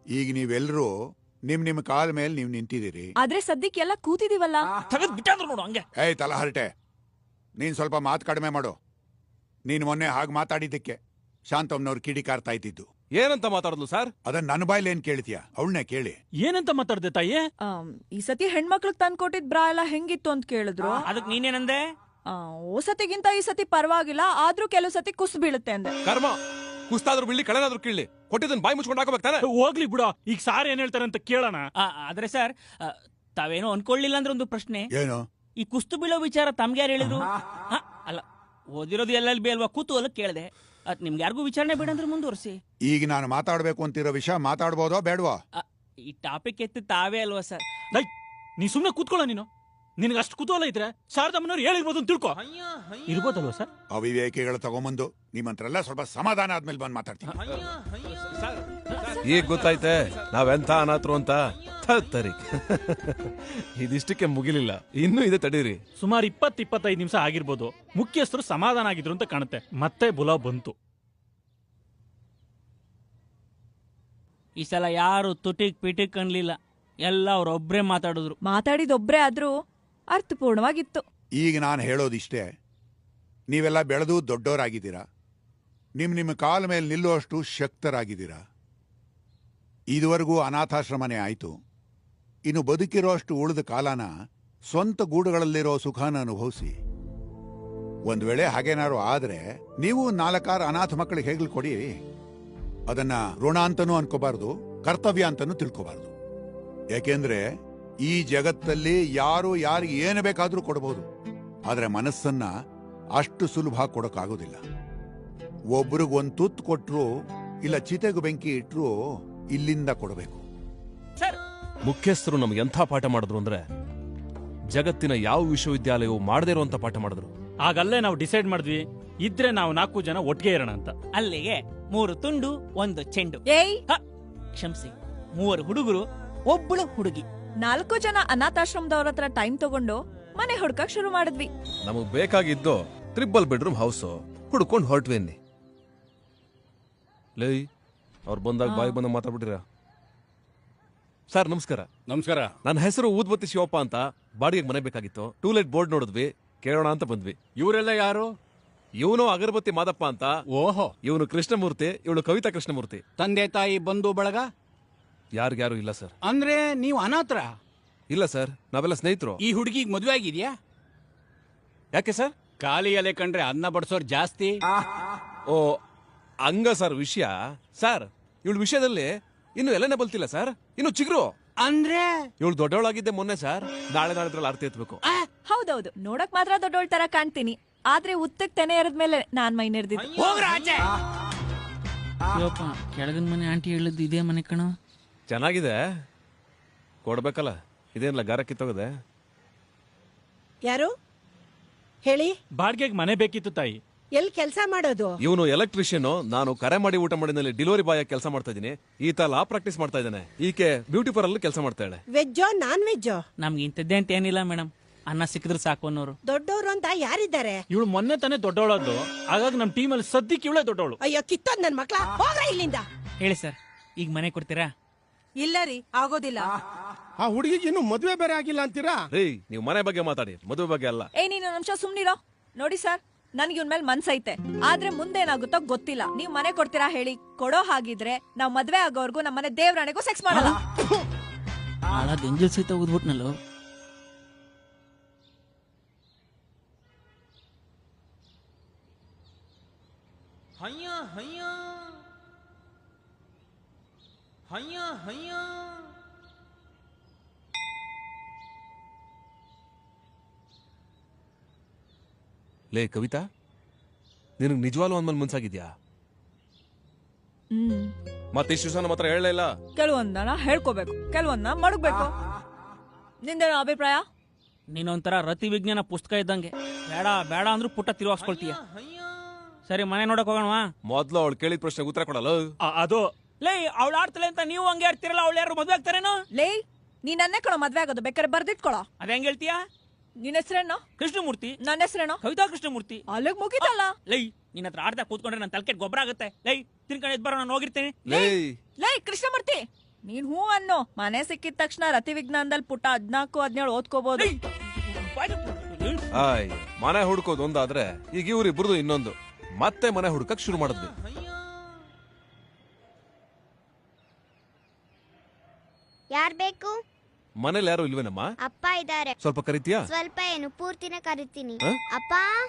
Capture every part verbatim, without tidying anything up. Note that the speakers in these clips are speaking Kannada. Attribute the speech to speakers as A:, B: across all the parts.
A: ಈಗ ನೀವೆಲ್ಲರೂ ನಿಮ್ ನಿಮ್ ಕಾಲ ಮೇಲೆ ನೀವ್ ನಿಂತಿದ್ದೀರಿ.
B: ಆದ್ರೆ ಸದ್ಯಕ್ಕೆ ಎಲ್ಲ ಕೂತಿದೀವಲ್ಲ.
C: ನೋಡು ಹಂಗೆ.
A: ಏಯ್ ತಲಹರಟೆ, ನೀನ್ ಸ್ವಲ್ಪ ಮಾತು ಕಡಿಮೆ ಮಾಡು. ನೀನ್ ಮೊನ್ನೆ ಹಾಗೆ ಮಾತಾಡಿದ್ದಕ್ಕೆ ಶಾಂತಮ್ಮನವ್ರು ಕಿಡಿಕಾರ್ತಾ ಇದ್ದಿದ್ದು.
D: ಏನಂತ ಮಾತಾಡಿದ್ಲು ಸರ್?
A: ಅದನ್ನ ನನ್ನ ಬಾಯ್ಲಿ ಏನ್ ಕೇಳ್ತೀಯ? ಅವಳನ್ನೇ ಕೇಳಿ.
C: ಏನಂತ ಮಾತಾಡ್ದೆ ತಾಯಿ?
B: ಈ ಸತಿ ಹೆಣ್ಮಕ್ಳಿಗೆ ತಂದ್ಕೊಟ್ಟಿದ್ ಬ್ರಾ ಎಲ್ಲ ಹೆಂಗಿತ್ತು ಅಂತ ಕೇಳಿದ್ರು.
C: ಅದಕ್ ನೀನೇನಂದೆ?
B: ಓ ಸತಿಗಿಂತ ಈ ಸತಿ ಪರವಾಗಿಲ್ಲ, ಆದ್ರೂ ಕೆಲವು ಸತಿ ಕುಸ್ ಬೀಳುತ್ತೆ ಅಂದೆ.
D: ಕರ್ಮ, ಕುಸ್ತಾದ್ರೂ ಬೀಳಿ ಕಳೆನಾದ್ರೂ ಕೀಳಿ, ಕೊಟ್ಟಿದ್ದನ್ ಬಾಯಿ ಮುಚ್ಕೊಂಡು ಹಾಕೋಬೇಕಾನೆ.
C: ಹೋಗ್ಲಿ ಬಿಡ, ಈಗ ಸಾರ್ ಏನ್ ಹೇಳ್ತಾರೆ ಅಂತ ಕೇಳೋಣ. ಆದ್ರೆ ಸರ್, ತಾವೇನೋ ಅನ್ಕೊಳ್ಳಿಲ್ಲ ಅಂದ್ರೆ ಒಂದು ಪ್ರಶ್ನೆ.
A: ಏನು?
C: ಈ ಕುಸ್ತು ಬೀಳೋ ವಿಚಾರ ತಮ್ಗೆ ಯಾರು ಹೇಳಿದ್ರು? ಅಲ್ಲ, ಓದಿರೋದು ಎಲ್ಲೆಲ್ಲಿ ಬಿ ಅಲ್ವಾ, ಕುತೂಹಲ ಕೇಳಿದೆ. ಅದ್ ನಿಮ್ಗೆ ಯಾರಿಗೂ ವಿಚಾರಣೆ ಬೇಡ ಅಂದ್ರೆ ಮುಂದುವರಿಸಿ.
A: ಈಗ ನಾನು ಮಾತಾಡ್ಬೇಕು ಅಂತಿರೋ ವಿಷಯ ಮಾತಾಡ್ಬೋದೋ ಬೇಡವಾ?
C: ಈ ಟಾಪಿಕ್ ಎತ್ತಿ ತಾವೇ ಅಲ್ವಾ ಸರ್?
D: ನೀ ಸುಮ್ನೆ ಕೂತ್ಕೊಳ್ಳ. ನೀನು ನಿನಗೆ ಅಷ್ಟು ಕುತೂಹಲ ಇದ್ರೆ ಶಾರದಮ್ಮನವ್ರು ಹೇಳಿರ್ಬೋದು ಅಂತ ತಿಳ್ಕೊ.
C: ಇರ್ಬೋದಲ್ವಾ ಸರ್?
A: ಅವಿವೇಕಿಗಳು ತಗೊಂಬಂದು ನಿಮ್ಮಂತ್ರೆಲ್ಲ ಸ್ವಲ್ಪ ಸಮಾಧಾನ ಆದ್ಮೇಲೆ ಬಂದು ಮಾತಾಡ್ತೀನಿ.
D: ಈಗ ಗೊತ್ತಾಯ್ತೆ ನಾವೆಂತ ಅನಾಥರು ಅಂತ. ತರಿ ಇದಿಷ್ಟಕ್ಕೆ ಮುಗಿಲಿಲ್ಲ, ಇನ್ನೂ ಇದೆ, ತಡೀರಿ.
C: ಸುಮಾರು ಇಪ್ಪತ್ ಇಪ್ಪತ್ತೈದು ನಿಮಿಷ ಆಗಿರ್ಬೋದು. ಮುಖ್ಯಸ್ಥರು ಸಮಾಧಾನ ಆಗಿದ್ರು ಅಂತ ಕಾಣುತ್ತೆ. ಮತ್ತೆ ಬುಲಾವ್ ಬಂತು. ಈ ಸಲ ಯಾರು ತುಟಿಕ್ ಪಿಟಿಕ್ ಅನ್ಲಿಲ್ಲ, ಎಲ್ಲ ಅವ್ರೊಬ್ರೇ ಮಾತಾಡಿದ್ರು.
B: ಮಾತಾಡಿದೊಬ್ರೇ ಆದ್ರೂ ಅರ್ಥಪೂರ್ಣವಾಗಿತ್ತು.
A: ಈಗ ನಾನು ಹೇಳೋದಿಷ್ಟೇ, ನೀವೆಲ್ಲ ಬೆಳೆದು ದೊಡ್ಡವರಾಗಿದ್ದೀರಾ. ನಿಮ್ ನಿಮ್ಮ ಕಾಲ ಮೇಲೆ ನಿಲ್ಲುವಷ್ಟು ಶಕ್ತರಾಗಿದ್ದೀರಾ. ಇದುವರೆಗೂ ಅನಾಥಾಶ್ರಮನೇ ಆಯ್ತು. ಇನ್ನು ಬದುಕಿರೋ ಅಷ್ಟು ಉಳಿದ ಕಾಲನ ಸ್ವಂತ ಗೂಡುಗಳಲ್ಲಿರೋ ಸುಖಾನ ಅನುಭವಿಸಿ. ಒಂದ್ ವೇಳೆ ಹಾಗೇನಾರು ಆದ್ರೆ ನೀವು ನಾಲ್ಕಾರು ಅನಾಥ ಮಕ್ಕಳಿಗೆ ಹೇಗ್ಲಿ ಕೊಡಿ. ಅದನ್ನ ಋಣ ಅಂತನೂ ಅನ್ಕೋಬಾರ್ದು, ಕರ್ತವ್ಯ ಅಂತನೂ ತಿಳ್ಕೋಬಾರ್ದು. ಯಾಕೆಂದ್ರೆ ಈ ಜಗತ್ತಲ್ಲಿ ಯಾರು ಯಾರಿಗೆ ಏನು ಬೇಕಾದ್ರೂ ಕೊಡಬಹುದು, ಆದ್ರೆ ಮನಸ್ಸನ್ನ ಅಷ್ಟು ಸುಲಭ ಕೊಡೋಕ್ಕಾಗೋದಿಲ್ಲ. ಒಬ್ರಿಗೊಂದು ತುತ್ತು ಕೊಟ್ರು ಇಲ್ಲ ಚಿತೆಗೂ ಬೆಂಕಿ ಇಟ್ರು ಇಲ್ಲಿಂದ ಕೊಡಬೇಕು.
D: ಮುಖ್ಯಸ್ಥರು ನಮ್ಗೆ ಎಂಥ ಪಾಠ ಮಾಡಿದ್ರು ಅಂದ್ರೆ, ಜಗತ್ತಿನ ಯಾವ ವಿಶ್ವವಿದ್ಯಾಲಯವು ಮಾಡದೇ ಇರುವಂತ ಪಾಠ ಮಾಡಿದ್ರು.
C: ಆಗಲ್ಲೇ ನಾವು ಡಿಸೈಡ್ ಮಾಡಿದ್ವಿ, ಇದ್ರೆ ನಾವು ನಾಲ್ಕು ಜನ ಒಟ್ಟಿಗೆ ಇರೋಣ ಅಂತ. ಅಲ್ಲಿಗೆ ಮೂರು ತುಂಡು ಒಂದು ಚೆಂಡು.
B: ಏಯ್
C: ಕ್ಷಮಿಸಿ, ಮೂವರು ಹುಡುಗರು ಒಬ್ಬಳು ಹುಡುಗಿ.
B: ನಾಲ್ಕು ಜನ ಅನಾಥಾಶ್ರಮದವ್ರ ಹತ್ರ ಟೈಮ್ ತಗೊಂಡು ಮನೆ ಹುಡ್ಕಕ್ ಶುರು ಮಾಡಿದ್ವಿ.
D: ನಮಗ್ ಬೇಕಾಗಿದ್ದು ಟ್ರಿಬಲ್ ಬೆಡ್ರೂಮ್ ಹೌಸ್ ಹುಡ್ಕೊಂಡು ಹೊರಟ್ವೇನಿ. ಲೈ ಅವ್ರು ಬಂದಾಗ ಬಾಯಿ ಬಂದ ಮಾತಾಡ್ಬಿಟ್ಟಿರ. ಸರ್ ನಮಸ್ಕಾರ.
E: ನಮಸ್ಕಾರ.
D: ನನ್ನ ಹೆಸರು ಊದ್ಬತ್ತಿ ಶಿವಪ್ಪ ಅಂತ. ಬಾಡಿಗೆ ಮನೆ ಬೇಕಾಗಿತ್ತು. ಟೂಲೆಟ್ ಬೋರ್ಡ್ ನೋಡಿದ್ವಿ, ಕೇಳೋಣ ಅಂತ ಬಂದ್ವಿ.
E: ಇವರೆಲ್ಲ ಯಾರು?
D: ಇವನು ಅಗರಬತ್ತಿ ಮಾದಪ್ಪ ಅಂತ.
E: ಓಹೋ.
D: ಇವನು ಕೃಷ್ಣಮೂರ್ತಿ, ಇವಳು ಕವಿತಾ ಕೃಷ್ಣಮೂರ್ತಿ.
E: ತಂದೆ ತಾಯಿ ಬಂಧು ಬಳಗ
D: ಯಾರಿಗ್ಯಾರು ಇಲ್ಲ ಸರ್.
E: ಅಂದ್ರೆ ನೀವು ಅನಾಥರ?
D: ಇಲ್ಲ ಸರ್, ನಾವೆಲ್ಲ ಸ್ನೇಹಿತರು.
E: ಈ ಹುಡುಗಿಗೆ ಮದುವೆ ಆಗಿದ್ಯಾ?
D: ಯಾಕೆ ಸರ್?
E: ಖಾಲಿ ಎಲೆ ಕಂಡ್ರೆ ಅನ್ನ ಬಡಿಸೋರ್ ಜಾಸ್ತಿ.
D: ಓ ಹಂಗ ಸರ್ ವಿಷಯ. ಸರ್ ಇವಳ ವಿಷಯದಲ್ಲಿ ಇನ್ನು ಎಲ್ಲನೇ ಬಲ್ತಿಲ್ಲ ಸರ್, ಇನ್ನು ಚಿಗ್ರು.
E: ಅಂದ್ರೆ
D: ಇವಳು ದೊಡ್ಡವಳಾಗಿದ್ದೆ ಮೊನ್ನೆ ಸರ್. ನಾಳೆ ನಾಳೆ ಆರ್ತಿ ಎತ್ಬೇಕು.
B: ಹೌದೌದು, ನೋಡಕ್ ಮಾತ್ರ ದೊಡ್ಡೋಳ್ ತರ ಕಾಣ್ತೀನಿ, ಆದ್ರೆ ಉತ್ತಕ್ ತೆನೆ ಎರದ್ಮೇಲೆ ನಾನ್ ಮೈ ನೆರೆದಿದ್ದು.
C: ಕೆಳಗಿನ ಮನೆ ಆಂಟಿ ಹೇಳಿದ್ದು ಇದೇ ಮನೆ ಕಣೋ.
D: ಚೆನ್ನಾಗಿದೆ, ಕೊಡ್ಬೇಕಲ್ಲ. ಇದೇನಲ್ಲ ಗಾರ ಕಿತ್ತೋಗದೆ.
F: ಯಾರು ಹೇಳಿ?
C: ಬಾಡ್ಗೆಗೆ ಮನೆ ಬೇಕಿತ್ತು ತಾಯಿ.
F: ಎಲ್ಲಿ ಕೆಲಸ ಮಾಡೋದು?
D: ಇವನು ಎಲೆಕ್ಟ್ರಿಷಿಯನ್, ನಾನು ಕರೆ ಮಾಡಿ ಊಟ ಮಾಡಿದಲ್ಲಿ ಡೆಲಿವರಿ ಬಾಯ್ ಆಗಿ ಕೆಲಸ ಮಾಡ್ತಾ ಇದ್ದೀನಿ. ಈತ ಲಾ ಪ್ರಾಕ್ಟೀಸ್ ಮಾಡ್ತಾ ಇದ್ದಾನೆ. ಈಕೆ ಬ್ಯೂಟಿ ಪಾರ್ಲರ್ ಕೆಲಸ ಮಾಡ್ತಾಳೆ.
F: ವೆಜ್ಜೋ ನಾನ್ ವೆಜ್ಜೋ?
C: ನಮ್ಗೆ ಇಂಥದ್ದೇ ಅಂತ ಏನಿಲ್ಲ ಮೇಡಮ್, ಅನ್ನ ಸಿಕ್ಕಿದ್ರೆ ಸಾಕು ಅನ್ನೋರು.
F: ದೊಡ್ಡವರು ಅಂತ ಯಾರಿದ್ದಾರೆ?
C: ಇವಳು ಮೊನ್ನೆ ತಾನೇ ದೊಡ್ಡವಳದ್ದು, ಹಾಗಾಗಿ ನಮ್ ಟೀಮ್ ಅಲ್ಲಿ ಸದ್ಯಕ್ಕೆ ಇವಳೇ ದೊಡ್ಡವಳು.
F: ಅಯ್ಯೋ ಕಿತ್ತೋದ್ ನನ್ ಮಕ್ಳ, ಹೋಗ್ರ ಇಲ್ಲಿಂದ.
C: ಹೇಳಿ ಸರ್, ಈಗ ಮನೆ ಕೊಡ್ತೀರಾ?
F: ಇಲ್ಲ ರೀ, ಆಗೋದಿಲ್ಲ.
G: ಆ ಹುಡುಗಿಗೆ ಇನ್ನು ಮದುವೆ ಬೇರೆ ಆಗಿಲ್ಲ ಅಂತೀರಾ?
D: ರೀ ನೀವು ಮನೆ ಬಗ್ಗೆ ಮಾತಾಡಿ, ಮದುವೆ ಬಗ್ಗೆ ಅಲ್ಲ.
B: ಏ ನೀನು ನಿಮಿಷ ಸುಮ್ನಿರೋ. ನೋಡಿ ಸರ್, ನನ್ಗೆ ಇವ್ನ ಮೇಲೆ ಮನ್ಸೈತೆ, ಆದ್ರೆ ಮುಂದೇನಾಗುತ್ತೋ ಗೊತ್ತಿಲ್ಲ. ನೀವ್ ಮನೆ ಕೊಡ್ತೀರಾ ಹೇಳಿ? ಕೊಡೋ ಹಾಗಿದ್ರೆ ನಾವ್ ಮದ್ವೆ ಆಗೋರ್ಗು ನಮ್ಮನೆ ದೇವ್ರಾಣೆಗೂ ಸೆಕ್ಸ್ ಮಾಡಲ್ಲ.
C: ಎಂಜಲ್ ಸಹಿತ ಓದ್ಬಿಟ್ನಲ್ಲೋ. ಹಯ್ಯ ಹಯ್ಯ ಹಯ್ಯ ಹಯ್ಯ.
D: ಲೇ ಕವಿತಾ, ನಿನಗ್ ನಿಜವಾಗ್ಲೂ ಅಂದ್ಮೇಲೆ ಮುನ್ಸಾಗಿದ್ಯಾ?
B: ಹ್ಮ್
D: ಮತ್ತೆ ಇಷ್ಟು ದಿವಸ ನಮ್ಮ ಹತ್ರ ಹೇಳಲೇ ಇಲ್ಲ.
B: ಕೆಲವೊಂದನ ಹೇಳ್ಕೋಬೇಕು, ಕೆಲವೊಂದನ ಮಡಗ್ಬೇಕು. ನಿಂದೇನೋ ಅಭಿಪ್ರಾಯ?
C: ನೀನೊಂಥರ ರತಿ ವಿಜ್ಞಾನ ಪುಸ್ತಕ ಇದ್ದಂಗೆ. ಬೇಡ ಬೇಡ ಅಂದ್ರೂ ಪುಟ್ಟ ತಿರುಗಿಸ್ಕೊಳ್ತೀಯ. ಸರಿ ಮನೆ ನೋಡಕ್ ಹೋಗೋಣವಾ?
D: ಮೊದ್ಲು ಅವಳು ಕೇಳಿದ ಪ್ರಶ್ನೆಗೆ ಉತ್ತರ ಕೊಡಲ್ಲ.
C: ಅದು ಲೇ, ಅವಳು ಆಡ್ತಲೆ ಅಂತ ನೀವು ಹಂಗೆ ಆಡ್ತಿರಲ್ಲ, ಅವಳು ಯಾರು ಮದ್ವೆ ಆಗ್ತಾರೇನೋ?
B: ಲೇ, ನೀನ್ ನನ್ನೇ ಕೊಡೋ ಮದ್ವೆ ಆಗೋದು, ಬೇಕಾದ್ರೆ ಬರ್ದಿಟ್ಕೊಳ.
C: ಅದ ಹೆಂಗ್ ಹೇಳ್ತೀಯಾ?
B: ನಿನ್ ಹೆಸರೇನೋ?
C: ಕೃಷ್ಣಮೂರ್ತಿ.
B: ನನ್ನ ಹೆಸರೇನೋ?
C: ಕವಿತಾ ಕೃಷ್ಣಮೂರ್ತಿ.
B: ಅಲ್ಲಿಗ್ ಮುಗಿತಲ್ಲ.
C: ಲೈ, ನಿನ್ನ ಹತ್ರ ಆಡ್ತಾ ಕೂತ್ಕೊಂಡ್ರೆ ನನ್ನ ತಲೆಕೆಟ್ ಗೊಬ್ಬರ ಆಗುತ್ತೆ. ಲೈ, ತಿನ್ಕೊಂಡು ಎದ್ ಬರೋ, ನಾನು ಹೋಗಿರ್ತೇನೆ.
B: ಲೈ ಕೃಷ್ಣಮೂರ್ತಿ, ನೀನ್ ಹೂ ಅನ್ನೋ ಮನೆ ಸಿಕ್ಕಿದ ತಕ್ಷಣ ರತಿ ವಿಜ್ಞಾನದಲ್ಲಿ ಪುಟ್ಟ ಹದ್ನಾಲ್ಕು ಹದಿನೇಳು ಓದ್ಕೋಬಹುದು.
D: ಆಯ್ ಮನೆ ಹುಡ್ಕೋದು ಒಂದಾದ್ರೆ ಈಗ ಇವ್ರಿಬ್ರದು ಇನ್ನೊಂದು. ಮತ್ತೆ ಮನೆ ಹುಡ್ಕಕ್ ಶುರು ಮಾಡಿದ್ವಿ.
H: ಯಾರ್ ಬೇಕು?
D: ಮನೇಲಿ ಯಾರು ಇಲ್ವೇನಮ್ಮ?
H: ಅಪ್ಪ ಇದ್ದಾರೆ.
D: ಸ್ವಲ್ಪ ಕರಿತೀಯಾ?
H: ಸ್ವಲ್ಪ ಏನು, ಪೂರ್ತಿನ ಕರಿತೀನಿ.
D: ಹ?
H: ಅಪ್ಪ.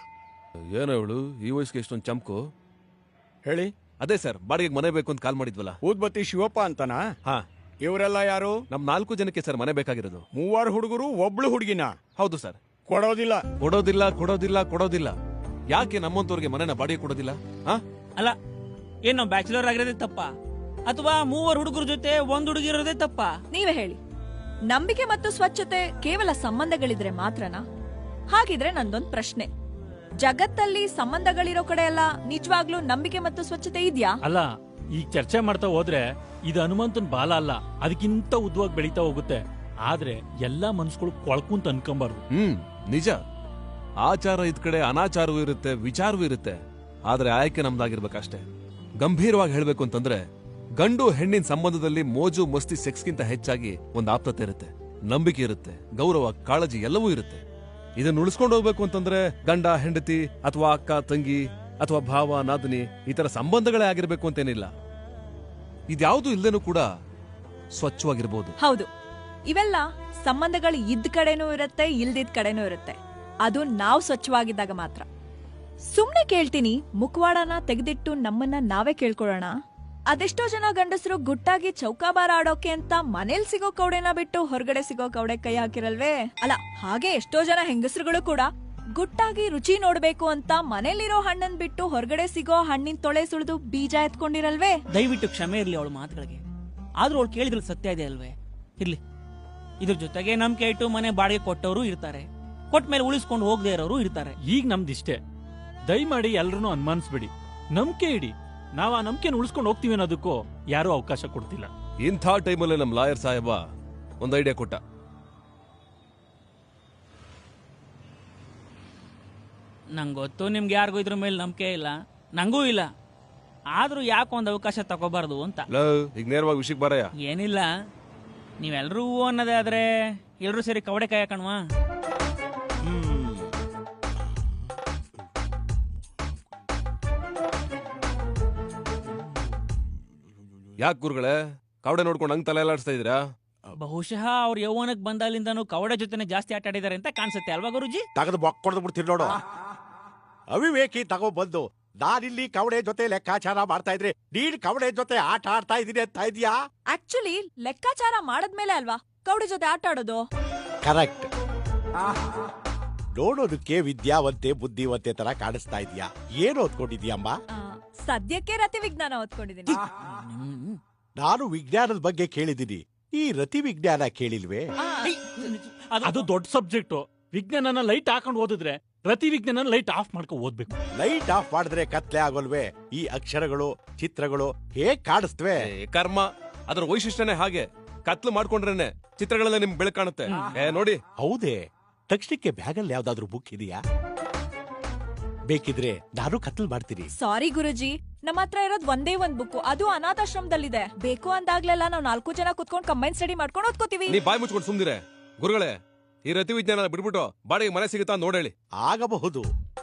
D: ಏನೋ ಇವಳು ಈ ವಯಸ್ಸಿಗೆ ಎಷ್ಟೊಂದು ಚಮಕು.
G: ಹೇಳಿ.
D: ಅದೇ ಸರ್, ಬಾಡಿಗೆ ಮನೆ ಬೇಕು ಅಂತ ಕಾಲ್ ಮಾಡಿದ್ವಲ್ಲ.
G: ಊದ್ಬತ್ತಿ ಶಿವಪ್ಪ ಅಂತನಾ?
D: ಹಾ,
G: ಇವರೆಲ್ಲ ಯಾರು?
D: ನಮ್ ನಾಲ್ಕು ಜನಕ್ಕೆ ಸರ್ ಮನೆ ಬೇಕಾಗಿರೋದು.
G: ಮೂವರು ಹುಡುಗರು, ಒಬ್ಳು ಹುಡುಗಿನ?
D: ಹೌದು ಸರ್.
G: ಕೊಡೋದಿಲ್ಲ.
D: ಕೊಡೋದಿಲ್ಲ ಕೊಡೋದಿಲ್ಲ ಕೊಡೋದಿಲ್ಲ. ಯಾಕೆ ನಮ್ಮಂತವ್ರಿಗೆ ಮನೆನ ಬಾಡಿಗೆ ಕೊಡೋದಿಲ್ಲ? ಹಾ,
C: ಅಲ್ಲ ಏನು ಬ್ಯಾಚುಲರ್ ಆಗಿರೋದೇ ತಪ್ಪ ಅಥವಾ ಮೂವರು ಹುಡುಗರ ಜೊತೆ ಒಂದ್ ಹುಡುಗಿ ಇರೋದೇ ತಪ್ಪ?
B: ನೀವೇ ಹೇಳಿ. ನಂಬಿಕೆ ಮತ್ತು ಸ್ವಚ್ಛತೆ ಕೇವಲ ಸಂಬಂಧಗಳಿದ್ರೆ ಮಾತ್ರನಾ? ಹಾಗಿದ್ರೆ ನಂದೊಂದ್ ಪ್ರಶ್ನೆ, ಜಗತ್ತಲ್ಲಿ ಸಂಬಂಧಗಳಿರೋ ಕಡೆ ಎಲ್ಲ ನಿಜವಾಗ್ಲೂ ನಂಬಿಕೆ ಮತ್ತು ಸ್ವಚ್ಛತೆ ಇದ್ಯಾ?
I: ಅಲ್ಲ, ಈಗ ಚರ್ಚೆ ಮಾಡ್ತಾ ಹೋದ್ರೆ ಇದು ಹನುಮಂತನ್ ಬಾಲ ಅಲ್ಲ, ಅದಕ್ಕಿಂತ ಉದ್ದವಾಗಿ ಬೆಳೀತಾ ಹೋಗುತ್ತೆ. ಆದ್ರೆ ಎಲ್ಲಾ ಮನ್ಸುಗಳು ಕೊಳ್ಕುಂತ ಅನ್ಕೊಂಬಾರ್ದು.
D: ಹ್ಮ್ ನಿಜ. ಆಚಾರ ಇದ್ ಕಡೆ ಅನಾಚಾರವೂ ಇರುತ್ತೆ, ವಿಚಾರವೂ ಇರುತ್ತೆ. ಆದ್ರೆ ಆಯ್ಕೆ ನಮ್ದಾಗಿರ್ಬೇಕಷ್ಟೇ. ಗಂಭೀರವಾಗಿ ಹೇಳ್ಬೇಕು ಅಂತಂದ್ರೆ ಗಂಡು ಹೆಣ್ಣಿನ ಸಂಬಂಧದಲ್ಲಿ ಮೋಜು ಮಸ್ತಿ ಸೆಕ್ಸ್ಗಿಂತ ಹೆಚ್ಚಾಗಿ ಒಂದು ಆಪ್ತತೆ ಇರುತ್ತೆ, ನಂಬಿಕೆ ಇರುತ್ತೆ, ಗೌರವ, ಕಾಳಜಿ ಎಲ್ಲವೂ ಇರುತ್ತೆ. ಇದನ್ನ ಉಳಿಸ್ಕೊಂಡು ಹೋಗ್ಬೇಕು ಅಂತಂದ್ರೆ ಗಂಡ ಹೆಂಡತಿ ಅಥವಾ ಅಕ್ಕ ತಂಗಿ ಅಥವಾ ಭಾವ ನಾದಿನಿ ಈ ತರ ಸಂಬಂಧಗಳೇ ಆಗಿರ್ಬೇಕು ಅಂತೇನಿಲ್ಲ. ಇದ್ಯಾವುದು ಇಲ್ದೇನೂ ಕೂಡ ಸ್ವಚ್ಛವಾಗಿರ್ಬೋದು.
B: ಹೌದು, ಇವೆಲ್ಲ ಸಂಬಂಧಗಳು ಇದ್ದ ಕಡೆನೂ ಇರುತ್ತೆ, ಇಲ್ದಿದ್ ಕಡೆನೂ ಇರುತ್ತೆ. ಅದು ನಾವು ಸ್ವಚ್ಛವಾಗಿದ್ದಾಗ ಮಾತ್ರ. ಸುಮ್ನೆ ಕೇಳ್ತೀನಿ, ಮುಖವಾಡನ ತೆಗೆದಿಟ್ಟು ನಮ್ಮನ್ನ ನಾವೇ ಕೇಳ್ಕೊಳ್ಳೋಣ. ಅದೆಷ್ಟೋ ಜನ ಗಂಡಸರು ಗುಟ್ಟಾಗಿ ಚೌಕಾಬಾರ ಆಡೋಕೆ ಅಂತ ಮನೇಲಿ ಸಿಗೋ ಕೌಡೆನ ಬಿಟ್ಟು ಹೊರಗಡೆ ಸಿಗೋ ಕೌಡೆ ಕೈ ಹಾಕಿರಲ್ವೇ? ಅಲ್ಲ, ಹಾಗೆ ಎಷ್ಟೋ ಜನ ಹೆಂಗಸರುಗಳು ಕೂಡ ಗುಟ್ಟಾಗಿ ರುಚಿ ನೋಡ್ಬೇಕು ಅಂತ ಮನೇಲಿರೋ ಹಣ್ಣನ್ ಬಿಟ್ಟು ಹೊರಗಡೆ ಸಿಗೋ ಹಣ್ಣಿನ ತೊಳೆ ಸುಳಿದು ಬೀಜ ಎತ್ಕೊಂಡಿರಲ್ವೇ?
C: ದಯವಿಟ್ಟು ಕ್ಷಮೆ ಇರ್ಲಿ ಅವಳ ಮಾತುಗಳಿಗೆ. ಆದ್ರೂ ಅವಳು ಕೇಳಿದ್ರಲ್ಲಿ ಸತ್ಯ ಇದೆ ಅಲ್ವೇ? ಇರ್ಲಿ, ಇದ್ರ ಜೊತೆಗೆ ನಂಬಿಕೆ ಇಟ್ಟು ಮನೆ ಬಾಡಿಗೆ ಕೊಟ್ಟವರು ಇರ್ತಾರೆ, ಕೊಟ್ಟ ಮೇಲೆ ಉಳಿಸ್ಕೊಂಡು ಹೋಗದೆ ಇರೋರು ಇರ್ತಾರೆ.
I: ಈಗ ನಮ್ದಿಷ್ಟೇ, ದಯಮಾಡಿ ಎಲ್ರನ್ನೂ ಅನುಮಾನಿಸ್ಬೇಡಿ, ನಂಬಿಕೆ ಇಡಿ. ನಾವ್ ಆ ನಂಬಿಕೆನ ಉಳಿಸ್ಕೊಂಡು ಹೋಗ್ತೀವಿ ಅನ್ನೋದಕ್ಕೂ ಯಾರೂ ಅವಕಾಶ ಕೊಡ್ತಿಲ್ಲ.
D: ಇಂಥ ಟೈಮಲ್ಲಿ ನಮ್ ಲಾಯರ್ ಸಾಹೇಬ ಒಂದ್ ಐಡಿಯಾ ಕೊಟ್ಟ.
C: ನಂಗೆ ಗೊತ್ತು ನಿಮ್ಗೆ ಯಾರಿಗೂ ಇದ್ರ ಮೇಲೆ ನಂಬಿಕೆ ಇಲ್ಲ, ನಂಗೂ ಇಲ್ಲ. ಆದ್ರೂ ಯಾಕೆ ಒಂದು ಅವಕಾಶ ತಗೋಬಾರ್ದು ಅಂತ.
D: ಈಗ ನೇರವಾಗಿ ವಿಷಯಕ್ಕೆ ಬರಯ್ಯ.
C: ಏನಿಲ್ಲ, ನೀವೆಲ್ರೂ ಹೂ ಅನ್ನೋದೇ ಆದ್ರೆ ಎಲ್ರೂ ಸೇರಿ ಕವಡೆ ಕಾಯ ಕಣ್ವಾ.
D: ಯಾಕೆ ಗುರುಗಳೇ ಕವಡೆ ನೋಡ್ಕೊಂಡು ಹಂಗ್ ತಲೆ ಎಲ್ಲಾಡ್ಸ್ತಾ ಇದೀರಾ?
C: ಬಹುಶಃ ಅವ್ರ ಯೌವನಕ್ಕೆ ಬಂದಾಲಿಂದನೂ ಕವಡೆ ಜೊತೆನೆ ಜಾಸ್ತಿ ಆಟ ಆಡಿದಾರೆ ಅಂತ ಕಾಣಿಸುತ್ತೆ ಅಲ್ವಾ ಗುರುಜಿ?
J: ತಗದು ಬೊಕ್ ಕೊಡ್ದು ಬಿಡ್ತೀರಿ ನೋಡು. ಅವಿವೇಕಿ ತಗೋ ಬಂದು ನಾನಿಲ್ಲಿ ಕವಡೆ ಜೊತೆ ಲೆಕ್ಕಾಚಾರ ಮಾಡ್ತಾ ಇದ್ರೆ ನೀನ್ ಕವಡೆ ಜೊತೆ ಆಟ ಆಡ್ತಾ ಇದೀನಿ ಅಂತ ಇದೀಯಾ?
B: ಆಕ್ಚುಲಿ ಲೆಕ್ಕಾಚಾರ ಮಾಡದ್ಮೇಲೆ ಅಲ್ವಾ ಕೌಡಿ ಜೊತೆ ಆಟ ಆಡೋದು.
J: ಕರೆಕ್ಟ್. ನೋಡೋದಕ್ಕೆ ವಿದ್ಯಾವಂತೆ ಬುದ್ಧಿವಂತೆ ತರ ಕಾಣಿಸ್ತಾ ಇದೀಯಾ. ಏನು ಓದ್ಕೊಂಡಿದ್ಯಮ್ಮ?
B: ಆ, ಸದ್ಯಕ್ಕೆ ರತಿ ವಿಜ್ಞಾನ ಓದ್ಕೊಂಡಿದ್ದೀನಿ.
J: ನಾನು ವಿಜ್ಞಾನದ ಬಗ್ಗೆ ಕೇಳಿದ್ದೀನಿ, ಈ ರತಿ ವಿಜ್ಞಾನ ಕೇಳಿಲ್ವೇ?
I: ಅದು ದೊಡ್ಡ ಸಬ್ಜೆಕ್ಟ್. ವಿಜ್ಞಾನನ ಲೈಟ್ ಹಾಕೊಂಡು ಓದಿದ್ರೆ ರತಿ ವಿಜ್ಞಾನ ಲೈಟ್ ಆಫ್ ಮಾಡ್ಕೊಂಡು ಓದ್ಬೇಕು.
J: ಲೈಟ್ ಆಫ್ ಮಾಡಿದ್ರೆ ಕತ್ಲೆ ಆಗೋಲ್ವೇ? ಈ ಅಕ್ಷರಗಳು ಚಿತ್ರಗಳು ಹೇಗ್ ಕಾಣಿಸ್ತವೆ?
D: ಕರ್ಮ, ಅದ್ರ ವೈಶಿಷ್ಟ್ಯನೇ ಹಾಗೆ. ಕತ್ಲು ಮಾಡ್ಕೊಂಡ್ರೇನೆ ಚಿತ್ರಗಳೆಲ್ಲ ನಿಮ್ಗೆ ಬೆಳಕು ಕಾಣುತ್ತೆ. ಏ ನೋಡಿ.
J: ಹೌದೇ? ತಕ್ಷಣಕ್ಕೆ ಬ್ಯಾಗಲ್ಲಿ ಯಾವ್ದಾದ್ರು ಬುಕ್ ಇದೆಯಾ? ಬೇಕಿದ್ರೆ ನಾನು ಕತ್ಲ್ ಮಾಡ್ತೀನಿ.
B: ಸಾರಿ ಗುರುಜಿ, ನಮ್ಮ ಹತ್ರ ಇರೋದ್ ಒಂದೇ ಒಂದ್ ಬುಕ್, ಅದು ಅನಾಥಾಶ್ರಮದಲ್ಲಿದೆ. ಬೇಕು ಅಂದಾಗ್ಲೆಲ್ಲ ನಾವು ನಾಲ್ಕು ಜನ ಕುತ್ಕೊಂಡು ಕಂಬೈನ್ ಸ್ಟಡಿ ಮಾಡ್ಕೊಂಡು ಓದ್ಕೋತೀವಿ.
D: ನೀ ಬಾಯಿ ಮುಚ್ಕೊಂಡು ಸುಮ್ದಿರೆ. ಗುರುಗಳೇ, ಈ ರತಿ ವಿಜ್ಞಾನ ಬಿಡ್ಬಿಟ್ಟು ಬಾಡಿಗೆ ಮನೆ ಸಿಗುತ್ತಾ ನೋಡೇಳಿ.
J: ಆಗಬಹುದು.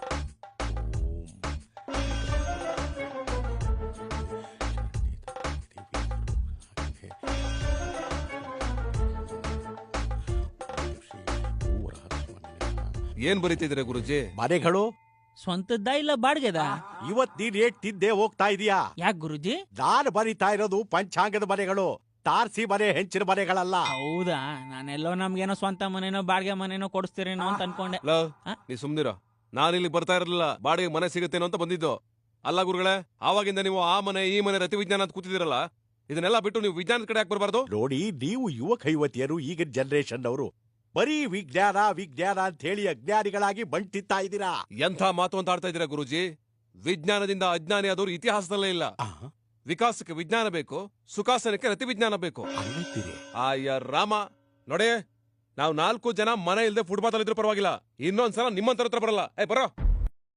D: ಏನ್ ಬರೀತಿದ್ರೆ ಗುರುಜಿ?
J: ಮನೆಗಳು
C: ಸ್ವಂತದ್ದ ಇಲ್ಲ ಬಾಡ್ಗೆದ?
J: ಇವತ್ ನೀನ್ ಏಟ್ ತಿದ್ದೆ ಹೋಗ್ತಾ ಇದೀಯಾ?
C: ಯಾಕೆ ಗುರುಜಿ?
J: ನಾನು ಬರೀತಾ ಇರೋದು ಪಂಚಾಂಗದ ಮನೆಗಳು, ತಾರ್ಸಿ ಮನೆ, ಹೆಂಚಿನ ಮನೆಗಳಲ್ಲ.
C: ಹೌದಾ? ನಾನೆಲ್ಲೋ ನಮ್ಗೇನೋ ಸ್ವಂತ ಮನೇನೋ ಬಾಡಿಗೆ ಮನೇನೋ ಕೊಡಿಸ್ತೀರೇನೋ ಅಂತ ಅನ್ಕೊಂಡೆ.
D: ನೀ ಸುಮ್ನಿರೋ. ನಾನು ಇಲ್ಲಿ ಬರ್ತಾ ಇರಲಿಲ್ಲ, ಬಾಡಿಗೆ ಮನೆ ಸಿಗುತ್ತೇನೋ ಅಂತ ಬಂದಿದ್ದು. ಅಲ್ಲ ಗುರುಗಳೇ, ಆವಾಗಿಂದ ನೀವು ಆ ಮನೆ ಈ ಮನೆ ರತಿ ವಿಜ್ಞಾನ ಅಂತ ಕೂತಿದಿರಲ್ಲ, ಇದನ್ನೆಲ್ಲ ಬಿಟ್ಟು ನೀವು ವಿಜ್ಞಾನದ ಕಡೆ ಯಾಕೆ ಬರಬಾರ್ದು?
J: ನೋಡಿ, ನೀವು ಯುವಕ ಯುವತಿಯರು, ಈಗಿನ ಜನರೇಷನ್ ಅವರು ಬರೀ ವಿಜ್ಞಾನ ವಿಜ್ಞಾನ ಅಂತ ಹೇಳಿ ಅಜ್ಞಾನಿಗಳಾಗಿ ಬಂಟಿತ್ತಾ ಇದ್ದೀರಾ.
D: ಎಂಥ ಮಾತು ಅಂತ ಆಡ್ತಾ ಇದ್ದೀರಾ ಗುರುಜಿ? ವಿಜ್ಞಾನದಿಂದ ಅಜ್ಞಾನಿ ಆದವರು ಇತಿಹಾಸದಲ್ಲೇ ಇಲ್ಲ. ವಿಕಾಸಕ್ಕೆ ವಿಜ್ಞಾನ ಬೇಕು, ಸುಖಾಸನಕ್ಕೆ ರತಿ ವಿಜ್ಞಾನ ಬೇಕು. ಆಯ್ಯ ರಾಮ, ನೋಡೇ, ನಾವು ನಾಲ್ಕು ಜನ ಮನೆ ಇಲ್ಲದೆ ಫುಟ್ಪಾತ್ ಅಲ್ಲಿ ಇದ್ರೂ ಪರವಾಗಿಲ್ಲ, ಇನ್ನೊಂದ್ಸಲ ನಿಮ್ಮಂತರ ಹತ್ರ ಬರಲ್ಲ. ಏ ಬರೋ.